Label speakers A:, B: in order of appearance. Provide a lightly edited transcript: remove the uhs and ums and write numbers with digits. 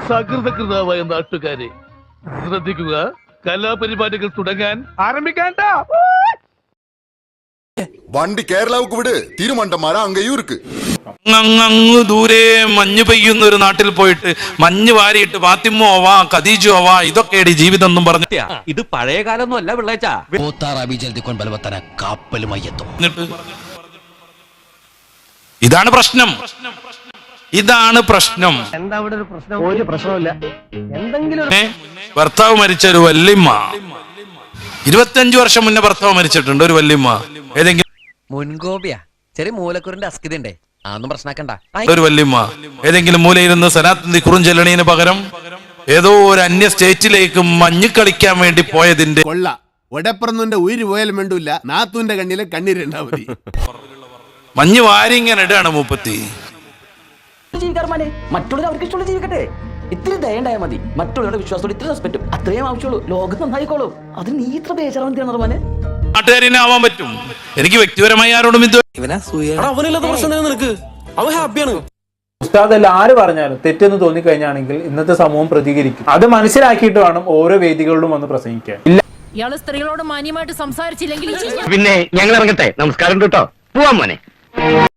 A: സകൃതകൃതാവായ നാട്ടുകാരെ ശ്രദ്ധിക്കുക, കലാപരിപാടികൾ തുടങ്ങാൻ ആരംഭിക്കാൻ.
B: വണ്ടി കേരളാവുക്ക് വിട്, തിരുമണ്ടന്മാരാ അങ്ങയും ഇருக்கு.
C: അങ്ങ് ദൂരെ മഞ്ഞ് പെയ്യുന്ന ഒരു നാട്ടിൽ പോയിട്ട് മഞ്ഞ് വാരിയിട്ട് ഫാത്തിമോ ആവാ ഖദീജോ ആവാ ഇതൊക്കെയാണ് ജീവിതം എന്നും പറഞ്ഞു.
D: ഇത് പഴയ കാലൊന്നും അല്ല പിള്ളേച്ചാ.
C: ഇതാണ് പ്രശ്നം, ഇതാണ് പ്രശ്നം.
E: എന്താ അവിടെ ഒരു പ്രശ്നം? ഒരു പ്രശ്നമില്ല. എന്തെങ്കിലും
C: ഭർത്താവ് മരിച്ച ഒരു വല്യമ്മ 25 വർഷം മുന്നേ ഭർത്താവ് മരിച്ചിട്ടുണ്ട്. ഒരു വല്യമ്മ ഏതെങ്കിലും
D: മുൻകോപിയാ, ചെറിയ മൂലക്കുറിന്റെ അസ്കിതണ്ടേ, അതൊന്നും പ്രശ്നമാക്കണ്ട.
C: ഒരു വല്യമ്മ ഏതെങ്കിലും മൂലയിരുന്ന് സനാത്തന്തി കുറുഞ്ചെല്ലണീന് പകരം ഏതോ ഒരു അന്യ സ്റ്റേറ്റിലേക്ക് മഞ്ഞ് കളിക്കാൻ വേണ്ടി പോയതിന്റെ
F: ഒടപ്പറന്നുന്റെ ഉയിര് പോയാലും വേണ്ടൂല്ല, നാത്തൂന്റെ കണ്ണിലെ കണ്ണീരുണ്ടാ മതി.
C: മഞ്ഞ് വാരി ഇങ്ങനെ ഇടാണ് മൂപ്പത്തി.
G: മറ്റുള്ളവർ അവർക്ക് ഇഷ്ടമുള്ള ജീവിക്കട്ടെ. ഇത്തിരി ദയുണ്ടായാൽ മതി. മറ്റുള്ളവരുടെ വിശ്വാസത്തോട് ഇത്തിരി റെസ്പെക്റ്റും അത്രയും ആവശ്യമുള്ളൂ. ലോകം നന്നായിക്കോളും. അതിന് നീ ഇത്ര ബേജാറാണ് റഹ്മാനെ.
C: നാട്ടുകാരനെ ആവാൻ പറ്റും. എനിക്ക് വ്യക്തിപരമായി ആരോടും
H: ഉസ്താദല്ല ആര് പറഞ്ഞാലും തെറ്റെന്ന് തോന്നിക്കഴിഞ്ഞാണെങ്കിൽ ഇന്നത്തെ സമൂഹം പ്രതികരിക്കും. അത് മനസ്സിലാക്കിയിട്ട് വേണം ഓരോ വേദികളിലും വന്ന് പ്രസംഗിക്കാൻ.
I: ഇയാള് സ്ത്രീകളോട് മാന്യമായിട്ട് സംസാരിച്ചില്ലെങ്കിൽ
E: പിന്നെ ഞങ്ങൾ ഇറങ്ങട്ടെ. നമസ്കാരം കേട്ടോ, പോവാൻ മോനെ.